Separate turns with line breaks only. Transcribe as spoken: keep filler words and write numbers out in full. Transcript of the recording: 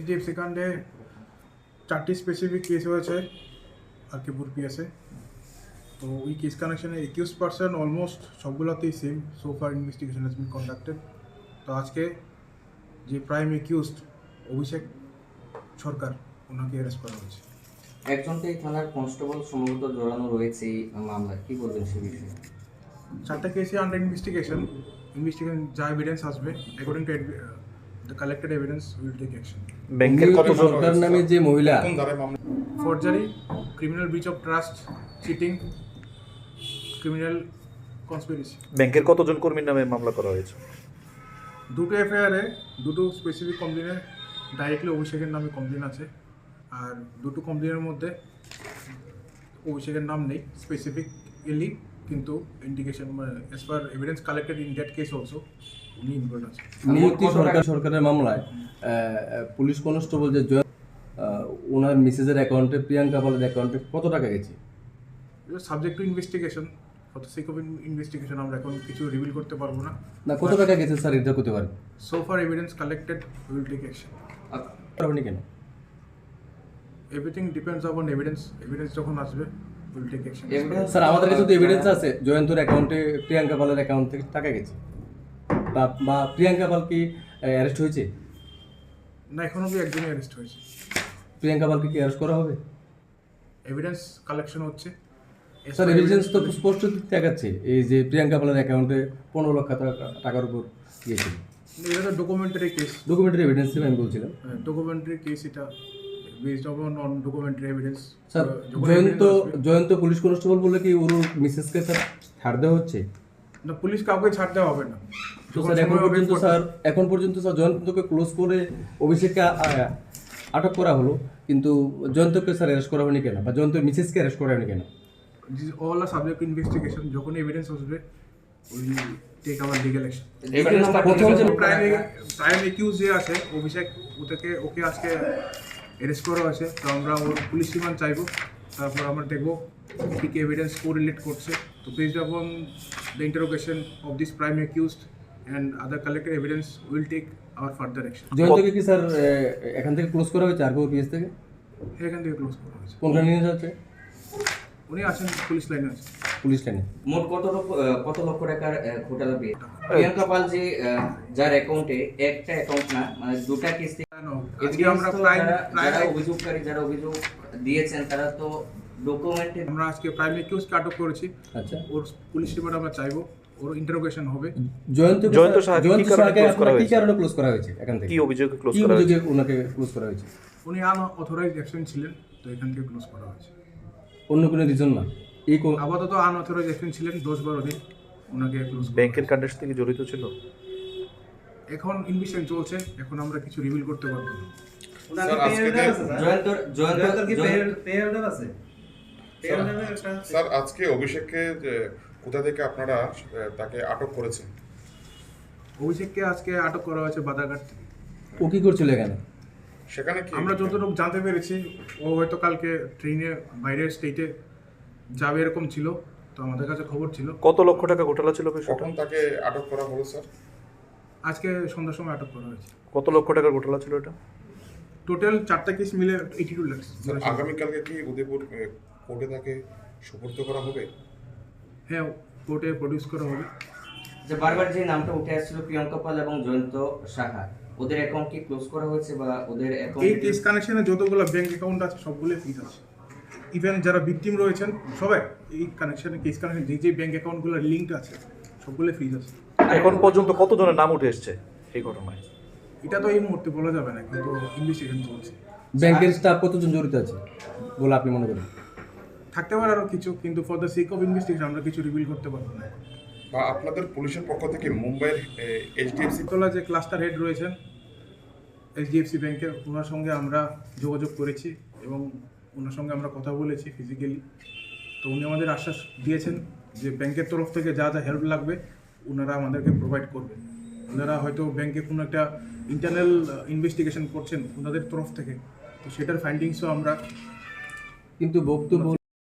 HDFC কাণ্ডে চারটি specific case হয়েছে আরকিপুর পিএসে। তো ওই কেস কানেকশনে একুশ পার্সেন্ট অলমোস্ট সবগুলোতেই same. So far investigation has been conducted. তো আজকে যে প্রাইম একিউজড অভিষেক সরকার, ওনাকে অ্যারেস্ট করা হয়েছে।
একজনকে এই থানার কনস্টেবল সম্ভবত জড়ানো রয়েছে এই মামলায়, কি বলবেন সে বিষয়ে?
চারটা কেসই আন্ডার ইনভেস্টিগেশন। ইনভেস্টিগেশন যা এভিডেন্স আসবে according to the collected evidence will take action.
ব্যাংকের কতজন
সরকার নামে যে মহিলা
forgery, criminal breach of trust, cheating, criminal conspiracy.
ব্যাংকের কতজন কর্মীর নামে মামলা করা হয়েছে?
দুটো এফআইআরে দুটো স্পেসিফিক কমপ্লেনে ডাইরেক্টলি অভিষেকের নামে কমপ্লেন আছে, আর দুটো কমপ্লেনের মধ্যে অভিষেকের নাম নেই স্পেসিফিকলি, কিন্তু indication as per evidence collected in that case also উনি ইনভলভ আছে।
নিয়তি সরকার সরকারের মামলায় পুলিশ কনস্টেবল যে জয় ওনার মিসেসের অ্যাকাউন্টে, প্রিয়াঙ্কা পালের অ্যাকাউন্টে কত টাকা গেছে?
Subject to investigation, for the sake of investigation আমরা এখন কিছু রিভিল করতে পারবো না।
না, কত টাকা গেছে স্যার এটা করতে পারেন?
So far evidence collected will take action.
আপনি কেন?
Everything depends on evidence. Evidence যখন আসবে উইল টেক অ্যাকশন।
স্যার আমাদের কাছে তো এভিডেন্স আছে জয়ন্তর অ্যাকাউন্টে প্রিয়াঙ্কা পালের অ্যাকাউন্ট থেকে টাকা গেছে, বা বা প্রিয়াঙ্কা পাল কি অ্যারেস্ট হয়েছে?
না, এখন অবধি একজনই অ্যারেস্ট হয়েছে।
প্রিয়াঙ্কা পালকে কি অ্যারেস্ট করা হবে?
এভিডেন্স কালেকশন হচ্ছে।
স্যার এভিডেন্স তো স্পষ্ট দেখাচ্ছে এই যে প্রিয়াঙ্কা পালের অ্যাকাউন্টে পনেরো লক্ষ টাকা- টাকার উপর গিয়েছিল।
এটা তো ডকুমেন্টারি কেস।
ডকুমেন্টারি এভিডেন্স আমি বলছিলাম।
ডকুমেন্টারি কেস, এটা based on on documentary evidence.
Sir Joyanta Joyanta police constable বলে কি ওর মিসেসকে স্যার ছাড় দেওয়া হচ্ছে?
না, পুলিশ কাউকে ছাড় দেওয়া হবে না।
তো স্যার এখন পর্যন্ত স্যার এখন পর্যন্ত স্যার জয়ন্তকে ক্লোজ করে অভিষেককে আ- আটক করা হলো, কিন্তু জয়ন্তকে স্যার অ্যারেস্ট করা হয়নি কেন, বা জয়ন্তের মিসেসকে অ্যারেস্ট করা হয়নি কেন?
All are subject investigation. যখন এভিডেন্স আসবে will take our legal action.
প্রথম যে
প্রাইম প্রাইম একিউজ যে আছে অভিষেক, ওটাকে ওকে আজকে অ্যারেস্ট করা হয়েছে। তো আমরা ওর পুলিশ রিমান্ড চাইবো, তারপর আমরা দেখবো কী কী এভিডেন্স কোরিলেট করছে। তো based upon the interrogation of this prime accused and other collected evidence will take our further action.
জয়ন্তকে কি স্যার এ, এখান থেকে ক্লোজ করা হয়েছে আরগো পিএস থেকে?
এখান থেকে ক্লোজ করা হয়েছে।
কোনখানে নিয়ে যাচ্ছে?
উনি আছেন পুলিশ লাইনে আছে।
পুলিশ লাইনে।
মোট কত লক্ষ আহ, কত লক্ষ টাকার আহ, ঘোটালা পেয়ে প্রিয়াঙ্কা পাল যে আহ, যার অ্যাকাউন্টে একটা অ্যাকাউন্ট না মানে দুটা কিস্তি,
আজকে আমরা
evidence তো
প্রাইম
যারা- যারা
প্রাইম
অভিযোগকারী যারা অভিযোগ দিয়েছেন তারা তো ডকুমেন্টে
আমরা আজকে প্রাইম একিউজকে আটক করেছি।
আচ্ছা,
ওর পুলিশ রিমান্ড আমরা চাইবো, ওর ইন্টারোগেশন হবে।
জয়ন্ত
জয়ন্ত সাহাকে
জয়ন্ত
কি কারণে
সাহাকে
close করা
আপনার কি
হয়েছে?
কারণে ক্লোজ করা হয়েছে এখান থেকে?
কি অভিযোগে ক্লোজ
কি
করা হয়েছে?
অভিযোগে ওনাকে ক্লোজ করা হয়েছে?
উনি আনঅথরাইজড অ্যাকশন ছিলেন, তো এখান থেকে ক্লোজ করা হয়েছে।
অন্য কোনো রিজন না? এই কো-
আপাতত আনঅথরাইজড অ্যাকশন ছিলেন দশ বারো দিন, ওনাকে ক্লোজ।
ব্যাংকের কাণ্ডের সাথে জড়িত ছিল?
এখন ইনভেস্টিগেশন চলছে, এখন আমরা কিছু রিভিল করতে পারবো না।
জয়ন্তর জয়ন্ত
স্যার আজকে অভিষেককে যে কোথা থেকে আপনারা আহ, তাকে আটক করেছেন?
অভিষেককে আজকে আটক করা হয়েছে বাদাঘাট থেকে।
ও কি করছিল এখানে?
সেখানে কি
আমরা যতটুকু জানতে পেরেছি, ও হয়তো কালকে ট্রেনে বাইরের স্টেটে যাবে এরকম ছিল, তো আমাদের কাছে খবর ছিল।
কত লক্ষ টাকা ঘোটালা ছিল বিষয়টা?
কখন তাকে আটক করা হলো স্যার?
আজকে সন্ধ্যার সময় আটক করা হয়েছে।
কত লক্ষ টাকার ঘোটালা ছিল এটা?
টোটাল চারটা কেস মিলে এইটি টু লাক্স।
স্যার আগামীকালকে কি উদয়পুর আহ, কোর্টে তাকে সুপর্দ করা হবে?
হ্যাঁ, কোর্টে প্রডিউস করা হবে।
যে বারবার যে নামটা উঠে আসছিল প্রিয়াঙ্কা পাল এবং জয়ন্ত সাহা, ওদের অ্যাকাউন্ট কি ক্লোজ করা হয়েছে বা ওদের
এই
অ্যাকাউন্ট
কেস কানেকশনে যতগুলো ব্যাংক অ্যাকাউন্ট আছে সবগুলো ফ্রিজ আছে। ইভেন যারা ভিকটিম রয়েছেন সবাই এই কানেকশনে, কেস কানেকশন যে যে ব্যাংক অ্যাকাউন্টগুলো লিঙ্কড আছে সবগুলো ফ্রিজ আছে।
এখন পর্যন্ত কতজনের নাম উঠে এসেছে এই ঘটনায়?
এটা তো এই মুহূর্তে বলা যাবে না, কিন্তু ইনভেস্টিগেশন চলছে।
ব্যাংকের স্টাফ কতজন জড়িত আছে বলে আপনি মনে করেন?
থাকতে পারে আরও কিছু, কিন্তু for the sake of investigation আমরা কিছু রিভিল করতে পারবো না।
বা আপনাদের পুলিশের পক্ষ থেকে মুম্বাইয়ের এইচডিএফসি
তোলা যে ক্লাস্টার হেড রয়েছেন এইচডিএফসি ব্যাংকের, ওনার সঙ্গে আমরা যোগাযোগ করেছি এবং ওনার সঙ্গে আমরা কথা বলেছি ফিজিক্যালি। তো উনি আমাদের আশ্বাস দিয়েছেন যে ব্যাংকের তরফ থেকে যা যা হেল্প লাগবে ওনারা আমাদেরকে প্রোভাইড করবেন। ওনারা হয়তো ব্যাংকে কোনো একটা ইন্টারনাল ইনভেস্টিগেশন করছেন ওনাদের তরফ থেকে, তো সেটার ফাইন্ডিংসও আমরা
কিন্তু বক্তব্য